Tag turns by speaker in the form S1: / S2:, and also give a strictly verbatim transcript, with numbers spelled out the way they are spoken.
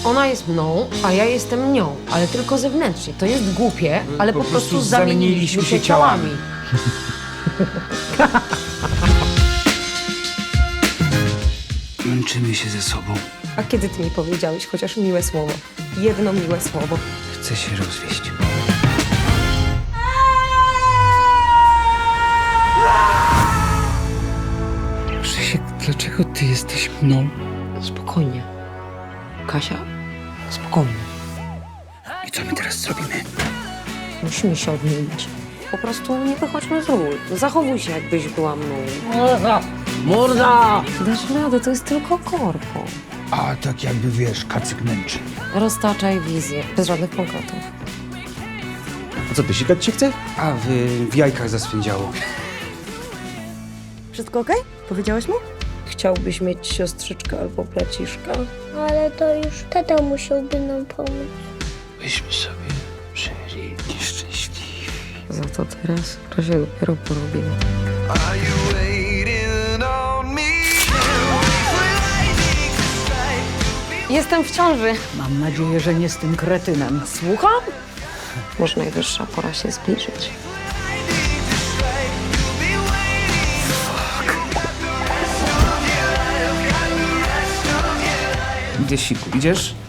S1: Ona jest mną, a ja jestem nią, ale tylko zewnętrznie. To jest głupie, ale po,
S2: po
S1: prostu
S2: prostu
S1: zamieniliśmy się ciałami.
S2: Męczymy się ze sobą.
S1: A kiedy ty mi powiedziałeś chociaż miłe słowo? Jedno miłe słowo.
S2: Chcę się rozwieść. Krzysiek, dlaczego ty jesteś mną?
S1: Spokojnie. Kasia, spokojnie.
S2: I co my teraz zrobimy?
S1: Musimy się odmienić. Po prostu nie wychodźmy z ról. Zachowuj się, jakbyś była mną.
S2: Morda!
S1: Dasz radę, to jest tylko korpo.
S2: A tak jakby, wiesz, kacyk męczy.
S1: Roztaczaj wizję, bez żadnych konkretów.
S3: A co, ty sikać się chce?
S2: A w, w jajkach zaswędziało.
S1: Wszystko okej? Powiedziałeś mu? Chciałbyś mieć siostrzyczkę albo braciszka?
S4: Ale to już tata musiałby nam pomóc.
S2: Byśmy sobie żyli nieszczęśliwi.
S1: Za to teraz to się dopiero porobiło. Jestem w ciąży.
S5: Mam nadzieję, że nie z tym kretynem.
S1: Słucham? Może najwyższa pora się zbliżyć.
S2: Idę siku, idziesz?